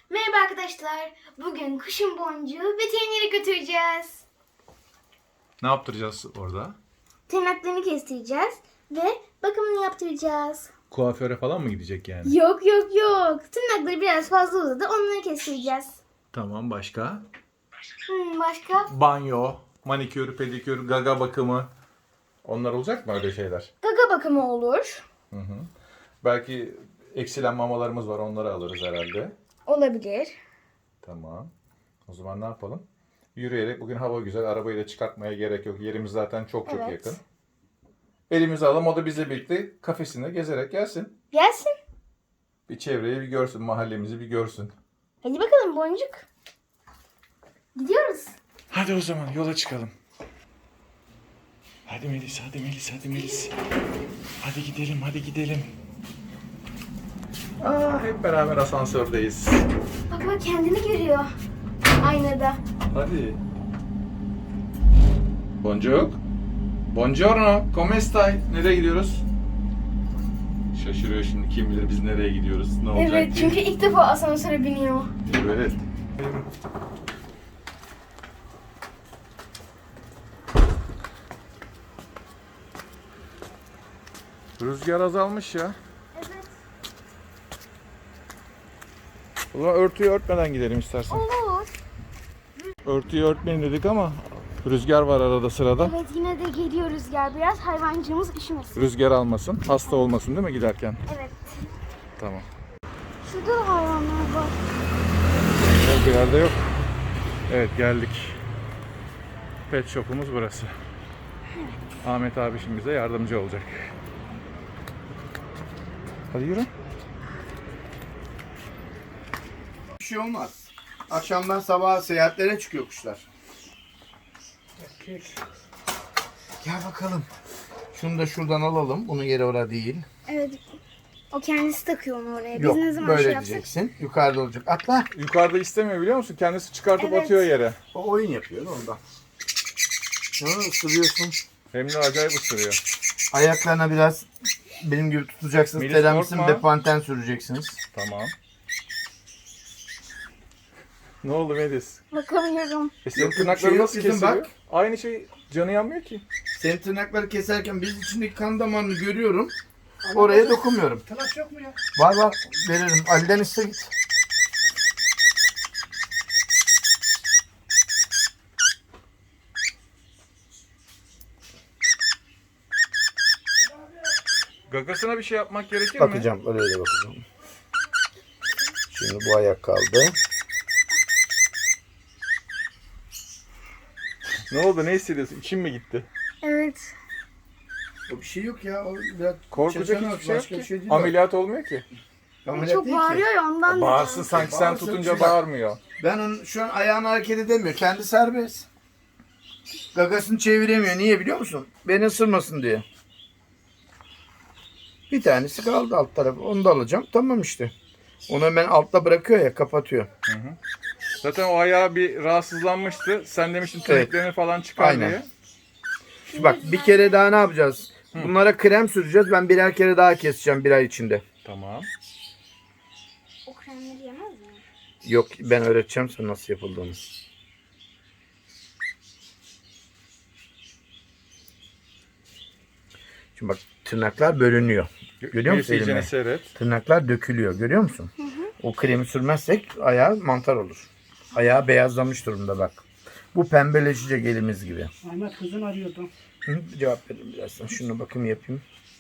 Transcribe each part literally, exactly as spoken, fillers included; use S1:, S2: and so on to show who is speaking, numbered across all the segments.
S1: Merhaba arkadaşlar. Bugün kuşun boncuğu veterinere götüreceğiz.
S2: Ne yaptıracağız orada?
S1: Tırnaklarını kestireceğiz ve bakımını yaptıracağız.
S2: Kuaföre falan mı gidecek yani?
S1: Yok yok yok. Tırnakları biraz fazla uzadı. Onları kestireceğiz.
S2: Tamam, başka?
S1: Hmm, başka?
S2: Banyo, manikür, pedikür, gaga bakımı. Onlar olacak mı öyle şeyler?
S1: Gaga bakımı olur.
S2: Hı hı. Belki eksilen mamalarımız var, onları alırız herhalde.
S1: Olabilir.
S2: Tamam. O zaman ne yapalım? Yürüyerek, bugün hava güzel, arabayı da çıkartmaya gerek yok. Yerimiz zaten çok çok
S1: Evet.
S2: yakın. Elimizi alalım, o da bizle birlikte kafesinde gezerek gelsin.
S1: Gelsin.
S2: Bir çevreyi bir görsün, mahallemizi bir görsün.
S1: Hadi bakalım boncuk. Gidiyoruz.
S2: Hadi o zaman yola çıkalım. Hadi Melis, hadi Melis, hadi Melis. Hadi gidelim, hadi gidelim. Aa, hep beraber asansördeyiz.
S1: Bak bak kendini görüyor. Aynada.
S2: Hadi. Boncuk. Buongiorno, come stai? Nereye gidiyoruz? Şaşırıyor şimdi, kim bilir biz nereye gidiyoruz, ne olacak
S1: Evet
S2: ki?
S1: çünkü ilk defa asansöre biniyor.
S2: Evet. Rüzgar azalmış ya.
S1: Evet.
S2: O zaman örtüyü örtmeden gidelim istersen.
S1: Olur.
S2: Örtüyü örtmeyin dedik ama rüzgar var arada sırada.
S1: Evet yine de geliyor rüzgar biraz. Hayvancığımız üşümesin.
S2: Rüzgar almasın, hasta olmasın değil mi giderken?
S1: Evet.
S2: Tamam.
S1: Şurada da hayvanlar var.
S2: Yok, bir yerde yok. Evet, geldik. Pet shop'umuz burası. Ahmet abi şimdi bize yardımcı olacak. Hadi yürü.
S3: Bir şey olmaz. Akşamdan sabaha seyahatlere çıkıyor kuşlar. Gel bakalım. Şunu da şuradan alalım. Bunun yeri orada değil.
S1: Evet. O kendisi takıyor onu oraya. Biz
S3: Yok,
S1: ne zaman
S3: böyle
S1: şey yapsak?
S3: diyeceksin. Yukarıda olacak. Atla.
S2: Yukarıda istemiyor biliyor musun? Kendisi çıkartıp
S1: Evet.
S2: atıyor yere.
S3: O oyun yapıyor da ondan. Ha, ısırıyorsun.
S2: Hem de acayip ısırıyor.
S3: Ayaklarına biraz benim gibi tutacaksınız.
S2: Melis,
S3: Teramisin
S2: korkma.
S3: bepanten süreceksiniz.
S2: Tamam. Ne oldu Melis?
S1: Bakamıyorum.
S2: E senin
S3: Yok, yok,
S2: tırnakları
S3: şey yok
S2: nasıl
S3: kızım,
S2: kesiliyor?
S3: bak.
S2: Aynı şey, canı yanmıyor ki.
S3: Senin tırnakları keserken biz içindeki kan damarını görüyorum. Oraya dokunmuyorum.
S4: Tıraş yok mu ya?
S3: Var var, veririm. Ali'den iste git.
S2: Gagasına bir şey yapmak gerekir mi?
S3: Bakacağım, öyle de bakacağım. Şimdi bu ayak kaldı.
S2: Ne oldu, ne hissediyorsun? İçin mi gitti?
S1: Evet.
S3: O bir şey yok ya. O biraz
S2: Korkacak
S3: şaşırma,
S2: hiçbir şey yok
S3: başka
S2: ki.
S3: bir şey değil o.
S2: Ameliyat olmuyor ki.
S3: Ameliyat
S1: Çok
S3: değil ki.
S1: bağırıyor ya ondan.
S2: Bağırsın sanki sen
S3: Bağırsın,
S2: tutunca
S3: şey bak.
S2: bağırmıyor.
S3: Ben onun şu an ayağını hareket edemiyor. Kendi serbest. Gagasını çeviremiyor. Niye biliyor musun? Beni ısırmasın diye. Bir tanesi kaldı alt tarafı. Onu da alacağım. Tamam işte. Onu hemen altta bırakıyor ya, kapatıyor.
S2: Zaten o ayağı bir rahatsızlanmıştı. Sen demiştin
S3: Evet.
S2: tırnaklarını falan çıkar
S3: Aynen.
S2: diye.
S3: Şimdi bak, bir kere daha ne yapacağız? Bunlara krem süreceğiz. Ben birer kere daha keseceğim bir ay içinde.
S2: Tamam.
S1: O kremleri yemez mi?
S3: Yok, ben öğreteceğim sana nasıl yapıldığını. Şimdi bak, tırnaklar bölünüyor. Görüyor musun
S2: Melis, iyicene
S3: elimi?
S2: seyret.
S3: Tırnaklar dökülüyor. Görüyor musun? Hı hı. O kremi sürmezsek ayağı mantar olur. Ayağı beyazlamış durumda bak. Bu pembeleşecek elimiz gibi.
S4: Ahmet kızın arıyordu.
S3: Hı, cevap veririm birazdan. Şunu bakayım yapayım.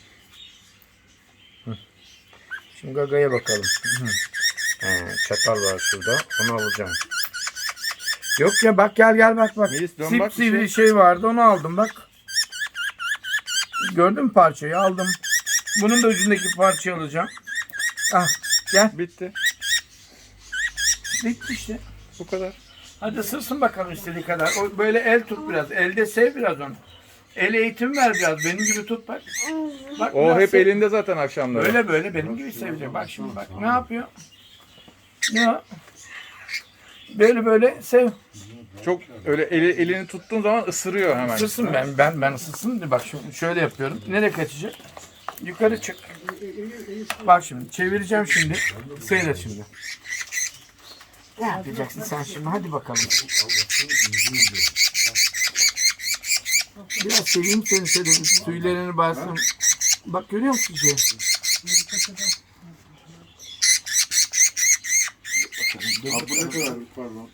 S3: Hı. Şimdi gagaya bakalım. Hı. He, çatal var şurada. Onu alacağım. Yok ya, bak gel gel bak bak.
S2: Melis, dön bak bir
S3: Sivri
S2: şey.
S3: şey vardı, onu aldım bak. Gördün mü parçayı? Aldım. Bunun da ucundaki parçayı alacağım. Ah gel.
S2: Bitti.
S3: Bitti işte.
S2: Bu kadar.
S3: Hadi ısırsın bakalım istediği kadar. O böyle el tut biraz. Elde sev biraz onu. El eğitim ver biraz. Benim gibi tut bak. Bak
S2: O
S3: biraz
S2: hep
S3: sev.
S2: elinde zaten akşamları.
S3: Böyle böyle benim gibi sevecek. Bak şimdi bak. Ne yapıyor? Ne o? Böyle böyle sev.
S2: Çok öyle eli, elini tuttuğun zaman ısırıyor hemen.
S3: Isırsın ben ben ben ısırsın diye bak şimdi şöyle yapıyorum. Nereye kaçacak? Yukarı çık. Bak şimdi çevireceğim şimdi. Seyret şimdi. Ne yapacaksın sen şimdi? Hadi bakalım. Biraz seveyim seni şöyle bir tüylerini bassın. Bak görüyor musun şey?
S2: Abi bu ne kadar pardon.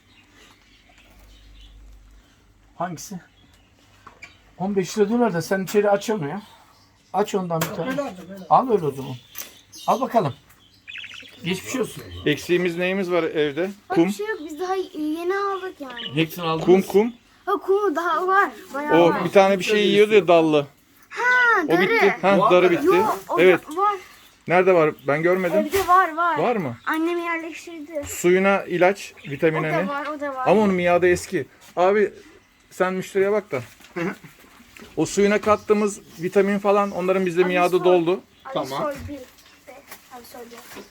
S3: Hangisi? on beş lira dolar da sen içeri aç onu ya. Aç ondan bir tane. Al öyle o zaman. Al bakalım. Geçmiş olsun.
S2: Eksiğimiz neyimiz var evde?
S1: Bak
S2: Kum.
S1: bir şey yok, biz daha yeni aldık yani.
S3: Hepsini aldınız.
S2: Kum kum.
S1: Ha kumu daha var. Bayağı
S2: O
S1: var.
S2: bir tane bir şey yiyordu ya dallı.
S1: Ha,
S2: O
S1: darı.
S2: bitti. Ha darı bitti.
S1: Yok, o
S2: Evet.
S1: da var.
S2: Nerede var? Ben görmedim.
S1: Evde var var.
S2: Var mı?
S1: Annem yerleştirdi.
S2: Suyuna ilaç,
S1: O
S2: vitamini
S1: da
S2: ne?
S1: var, o da var.
S2: Ama onun miadı eski. Abi sen müşteriye bak da. O suyuna kattığımız vitamin falan onların bizde miadı
S1: sor.
S2: doldu.
S1: Abi
S3: Tamam.
S1: sor bir. De. Abi sor bir.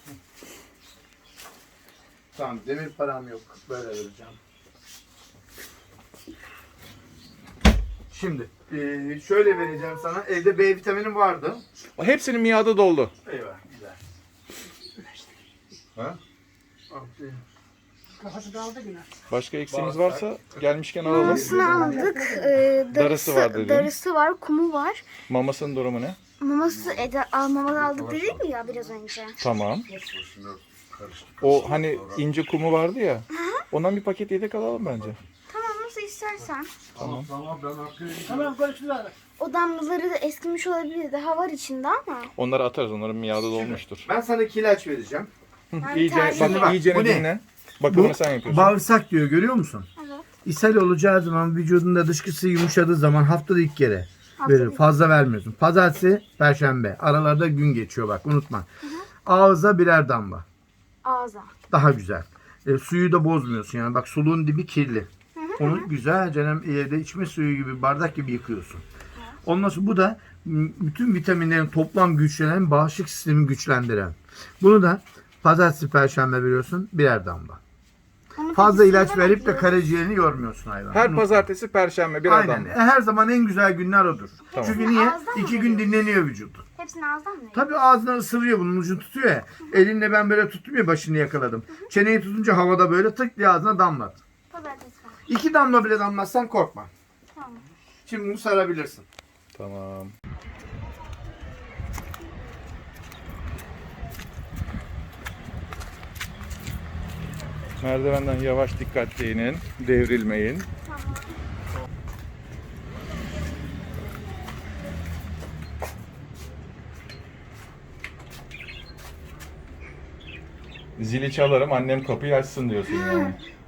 S3: Tamam demir param yok. Böyle vereceğim. Şimdi eee, şöyle vereceğim sana. Evde B vitamini vardı.
S2: Hepsinin miadı doldu.
S3: Eyvah güzel. Ha?
S4: Kafası daldı yine.
S2: Başka eksiğimiz varsa gelmişken alalım.
S1: Mamasını aldık. Ee, darısı,
S2: var dedin.
S1: Darısı var, kumu var.
S2: Mamasının durumu ne?
S1: Maması, Eda, al, mamalı aldık dedik mi ya biraz önce?
S2: Tamam. O hani ince kumu vardı ya. Ondan bir paket yedek alalım bence.
S1: Tamam, nasıl istersen.
S3: Tamam tamam ben hakkıyım.
S4: Tamam konuştular.
S1: O damlaları da eskimiş olabilir. Daha var içinde ama.
S2: Onları atarız. Onların miadı dolmuştur.
S3: Ben sana iki ilaç vereceğim.
S1: Ben
S2: İyice
S1: tercih-
S2: bak,
S3: Bak,
S2: iyice
S3: bu ne?
S2: dinle. Bakımını sen yapıyorsun.
S3: Bağırsak diyor görüyor musun?
S1: Evet.
S3: İshal olacağı zaman vücudunda dışkısı yumuşadığı zaman haftada ilk kere
S1: Haftada
S3: verir.
S1: bir.
S3: Fazla vermiyorsun. Pazartesi, perşembe. Aralarda gün geçiyor bak unutma. Ağza birer damla.
S1: Ağza.
S3: Daha güzel. E, suyu da bozmuyorsun yani. Bak suluğun dibi kirli. Onu güzelce evde içme suyu gibi bardak gibi yıkıyorsun. Ondan sonra bu da m, bütün vitaminlerin toplam güçlenen bağışıklık sistemi güçlendiren. Bunu da pazartesi perşembe veriyorsun birer damla.
S1: Onun
S3: Fazla
S1: pekisini
S3: ilaç
S1: ben
S3: verip de
S1: alıyorum.
S3: karaciğerini yormuyorsun hayvan.
S2: Her
S3: Unutma.
S2: pazartesi, perşembe bir
S3: Aynen.
S2: adam.
S3: E, Her zaman en güzel günler odur.
S2: Tamam.
S3: Çünkü niye?
S1: Ağızdan mı
S3: İki gün dinleniyor vücut.
S1: Hepsini ağızdan mı?
S3: Tabii ağzından ısırıyor bunun ucunu tutuyor ya. Elinle ben böyle tuttum ya başını yakaladım. Çeneyi tutunca havada böyle tık diye ağzına damlat.
S1: Pazartesi var.
S3: İki damla bile damlatsan korkma.
S1: Tamam.
S3: Şimdi bunu sarabilirsin.
S2: Tamam. Merdivenden yavaş dikkatli inin. Devrilmeyin. Zili çalarım, annem kapıyı açsın diyorsun yani.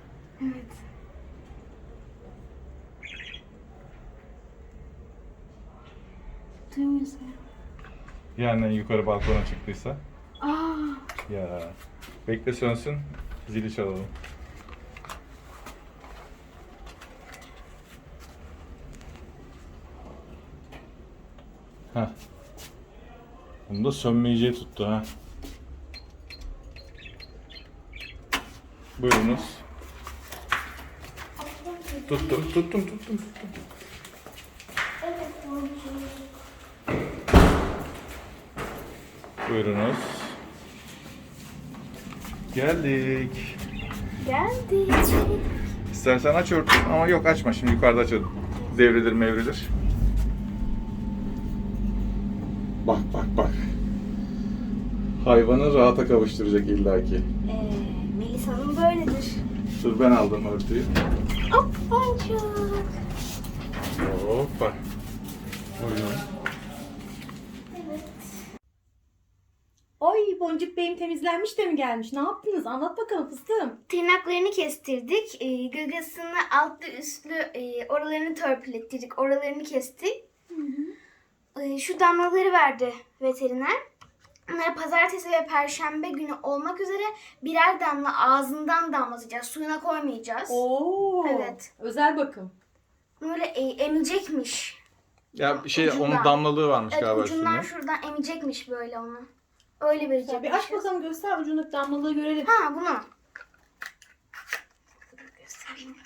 S1: Duymuyorsun.
S2: Ya annen yukarı balkona çıktıysa?
S1: Aa.
S2: Ya. Bekle sönsün, zili çalalım. Heh. Bunu da sönmeyeceği tuttu ha. Buyurunuz. Tuttum, tuttum, tuttum, tuttum. Buyurunuz. Geldik.
S1: Geldi.
S2: İstersen aç örtün ama yok açma şimdi yukarıda aç. Devrilir mevrilir. Bak bak bak. Hayvanı rahata kavuşturacak illaki.
S1: Ee, Melisa'nın böyledir.
S2: Dur ben aldım örtüyü.
S1: Hop boncuk.
S2: Hoppa. Buyurun.
S5: Oy Boncuk Bey'im temizlenmiş de mi gelmiş? Ne yaptınız? Anlat bakalım fıstığım.
S1: Tırnaklarını kestirdik. E, gagasını altlı üstlü e, oralarını törpülettirdik. Oralarını kestik. E, şu damlaları verdi veteriner. Onları pazartesi ve perşembe günü olmak üzere birer damla ağzından damlatacağız. Suyuna koymayacağız.
S5: Oo.
S1: Evet.
S5: Özel bakım.
S1: Böyle e, emecekmiş.
S2: Ya bir şey
S1: Ucundan.
S2: onun damlalığı varmış
S1: Evet,
S2: galiba
S1: ucundan
S2: üstünde.
S1: şuradan emecekmiş böyle onu. Öyle verecekmiş.
S5: Bir aç bakalım göster ucundaki damlalığı görelim.
S1: Ha bunu. Göstereyim.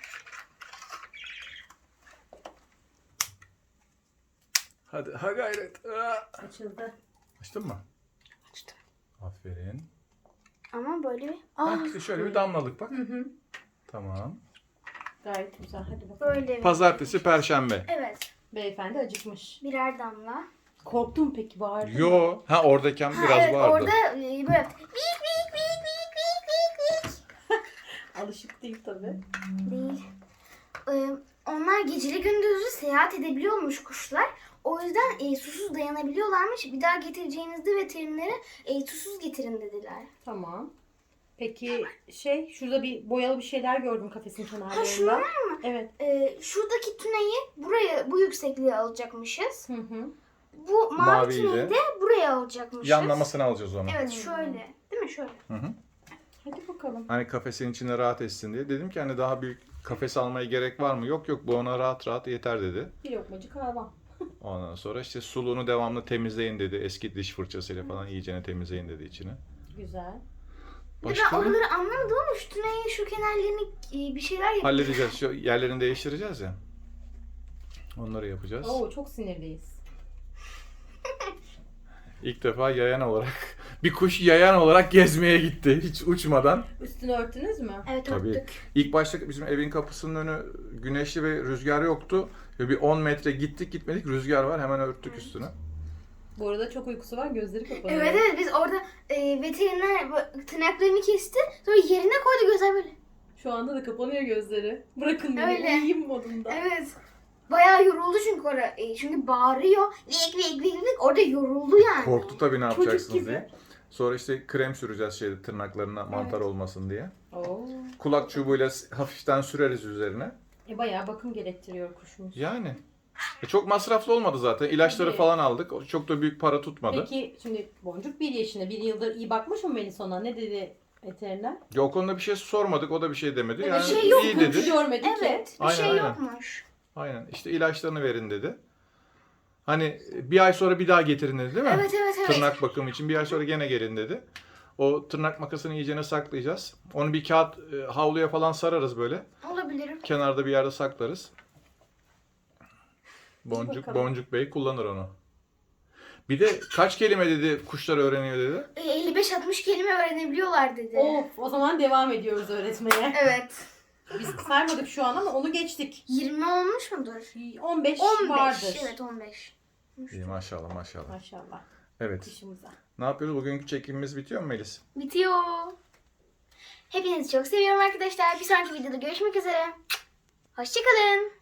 S2: Hadi ha gayret. Aa.
S5: Açıldı.
S2: Açtın mı?
S1: Açtım.
S2: Aferin.
S1: Ama böyle bir...
S2: Ha,
S1: Aa,
S2: işte şöyle bir damlalık bak.
S5: Hı hı.
S2: Tamam.
S5: Gayet güzel. Hadi bakalım.
S1: böyle bir...
S2: Pazartesi, Perşembe.
S1: Evet.
S5: Beyefendi acıkmış.
S1: Birer damla.
S5: Korktun mu peki, bağırdın mı?
S2: Yo. Ha oradayken
S1: Ha,
S2: biraz
S1: evet,
S2: vardı.
S1: orada e, böyle yaptı. Vik vik vik vik vik vik vik.
S5: Alışık değil tabii.
S1: Değil. Ee, onlar geceli gündüzlü seyahat edebiliyormuş kuşlar. O yüzden e, susuz dayanabiliyorlarmış. Bir daha getireceğinizde veterinere e, susuz getirin dediler.
S5: Tamam. Peki şey, şurada bir boyalı bir şeyler gördüm kafesin
S1: Ha
S5: kenarlarında.
S1: şunlar mı?
S5: Evet.
S1: Ee, şuradaki tüneyi buraya, bu yüksekliğe alacakmışız.
S5: Hı hı.
S1: Bu mavi
S2: Maviyi
S1: tüneyi
S2: de
S1: de buraya alacakmışız.
S2: yanlamasını alacağız onu.
S1: Evet şöyle. Değil mi? Şöyle.
S2: Hı hı.
S5: Hadi bakalım.
S2: Hani kafesin içinde rahat etsin diye. Dedim ki hani daha büyük kafes almaya gerek var mı? Yok yok, bu ona rahat rahat yeter dedi.
S5: Bir lokmacık hayvan.
S2: Ondan sonra işte suluğunu devamlı temizleyin dedi. Eski diş fırçasıyla falan iyicene temizleyin dedi içini.
S5: Güzel.
S1: Bir de ben
S2: Başka?
S1: oraları anlamadım ama şu tüneyin şu kenarlarını e, bir şeyler yapıyor.
S2: Halledeceğiz. Şu yerlerini değiştireceğiz ya. Onları yapacağız.
S5: Oo, çok sinirliyiz.
S2: İlk defa yayan olarak, bir kuş yayan olarak gezmeye gitti hiç uçmadan.
S5: Üstünü örttünüz mü?
S1: Evet
S2: Tabii.
S1: örttük.
S2: İlk başta bizim evin kapısının önü güneşli ve rüzgar yoktu. Ve bir on metre gittik gitmedik rüzgar var, hemen örttük üstünü.
S5: Bu arada çok uykusu var, gözleri kapanıyor.
S1: Evet evet biz orada e, veteriner bu- tırnaklarını kesti. Sonra yerine koydu gözler böyle.
S5: Şu anda da kapanıyor gözleri. Bırakın beni,
S1: Öyle.
S5: uyuyayım modunda.
S1: Evet. Bayağı yoruldu çünkü orada. E, çünkü bağırıyor. Vik vik vik vik. Orada yoruldu yani.
S2: Korktu tabii ne
S5: Çocuk
S2: yapacaksınız
S5: gibi.
S2: diye. Sonra işte krem süreceğiz şeyde tırnaklarına mantar
S1: Evet.
S2: olmasın diye.
S5: Oo.
S2: Kulak çubuğuyla hafiften süreriz üzerine.
S5: E, bayağı bakım gerektiriyor kuşumuz.
S2: Yani. E, çok masraflı olmadı zaten. İlaçları
S5: Tabii.
S2: falan aldık. Çok da büyük para tutmadı.
S5: Peki şimdi Boncuk bir yaşında, bir yıldır iyi bakmış mı Melis ona? Ne dedi veteriner?
S2: Ya o konuda bir şey sormadık. O da bir şey demedi.
S5: Evet,
S2: Yani
S1: şey yok,
S2: iyi
S5: Komşu
S2: dedi.
S5: görmedi ki.
S1: Evet. Bir
S2: Aynen,
S1: şey
S2: aynen.
S1: yokmuş.
S2: Aynen. İşte ilaçlarını verin dedi. Hani bir ay sonra bir daha getirin dedi değil mi?
S1: Evet evet evet.
S2: Tırnak bakımı için bir ay sonra gene gelin dedi. O tırnak makasını iyicene saklayacağız. Onu bir kağıt e, havluya falan sararız böyle.
S1: Olabilir.
S2: Kenarda bir yerde saklarız. Boncuk
S5: bakalım.
S2: Boncuk Bey kullanır onu. Bir de kaç kelime dedi kuşlar öğreniyor dedi.
S1: E, elli beş altmış kelime öğrenebiliyorlar dedi.
S5: Of, o zaman devam ediyoruz öğretmeye.
S1: Evet.
S5: Biz saymadık şu an ama onu geçtik.
S1: yirmi olmuş mudur?
S5: on beş,
S1: on beş.
S5: vardır.
S1: Evet on beş.
S2: İyi maşallah maşallah.
S5: Maşallah.
S2: Evet.
S5: Dişimize.
S2: Ne yapıyoruz? Bugünkü çekimimiz bitiyor mu Melis?
S1: Bitiyor. Hepinizi çok seviyorum arkadaşlar. Bir sonraki videoda görüşmek üzere. Hoşçakalın.